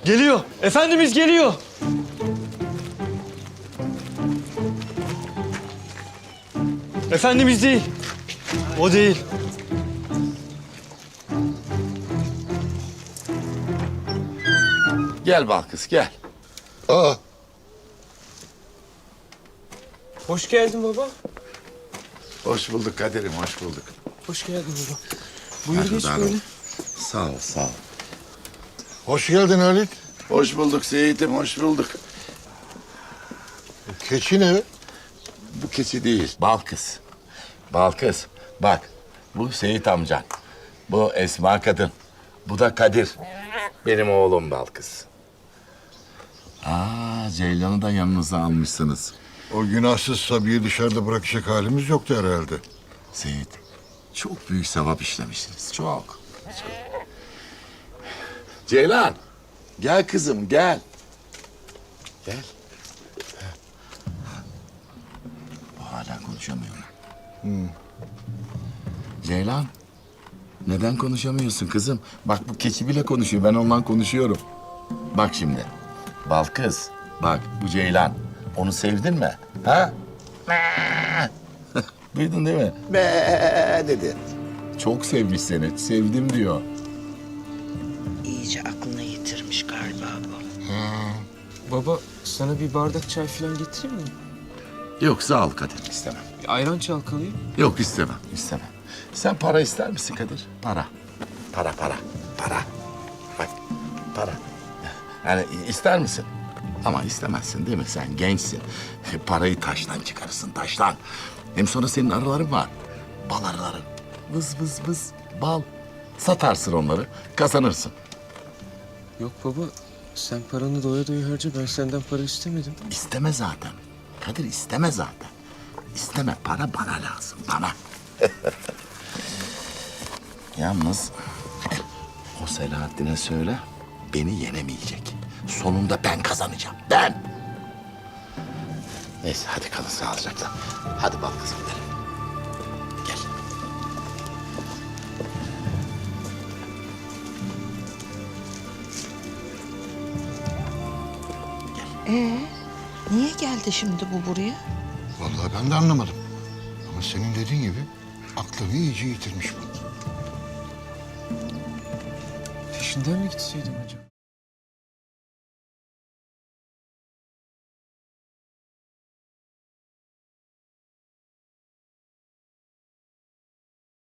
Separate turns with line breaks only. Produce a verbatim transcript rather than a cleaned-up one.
Geliyor. Efendimiz geliyor. Efendimiz değil. O değil.
Gel Balkız gel.
Aa,
Hoş geldin baba.
Hoş bulduk Kadir'im, hoş bulduk.
Hoş geldin baba. Buyur geç
Merhaba.
böyle.
Sağ ol, sağ ol.
hoş geldin Halit.
Hoş bulduk Seyit'im, hoş bulduk.
Keçi ne?
Bu keçi değil, Balkız. Balkız, bak bu Seyit amcan. Bu Esma kadın. Bu da Kadir. Benim oğlum Balkız. Aa, Ceylan'ı da yanınıza almışsınız.
O günahsız Sabi'yi dışarıda bırakacak halimiz yoktu herhalde.
Seyit, çok büyük sevap işlemişsiniz, çok. çok. Ceylan, gel kızım, gel. Gel. Bu hala konuşamıyor mu? Ceylan, neden konuşamıyorsun kızım? Bak bu keçi bile konuşuyor, ben onunla konuşuyorum. Bak şimdi, Balkız, bak bu Ceylan. Onu sevdin mi? Ha? Duydun değil mi? Be dedi. Çok sevmiş seni, sevdim diyor.
İyice aklını yitirmiş galiba bu.
Baba sana bir bardak çay falan getireyim mi?
Yok sağ ol Kadir, istemem.
Bir ayran çalkalayayım.
Yok istemem, istemem. Sen para ister misin Kadir? Para. Para, para, para. Bak, para. Yani ister misin? Ama istemezsin değil mi? Sen gençsin. Parayı taştan çıkarırsın, taştan. Hem sonra senin arıların var. Bal arıların. Vız vız vız, bal. Satarsın onları, kazanırsın.
Yok baba sen paranı doya doya harca, ben senden para istemedim.
İsteme zaten. Kadir isteme zaten. İsteme, para bana lazım, bana. Yalnız o Selahattin'e söyle, beni yenemeyecek. Sonunda ben kazanacağım, ben. Neyse hadi kalın sağlıcakla. Hadi bal kızım gidelim. Gel.
Ee, niye geldi şimdi bu buraya?
Vallahi ben de anlamadım. Ama senin dediğin gibi aklını iyice yitirmiş bu.
Peşinden mi gitseydim acaba?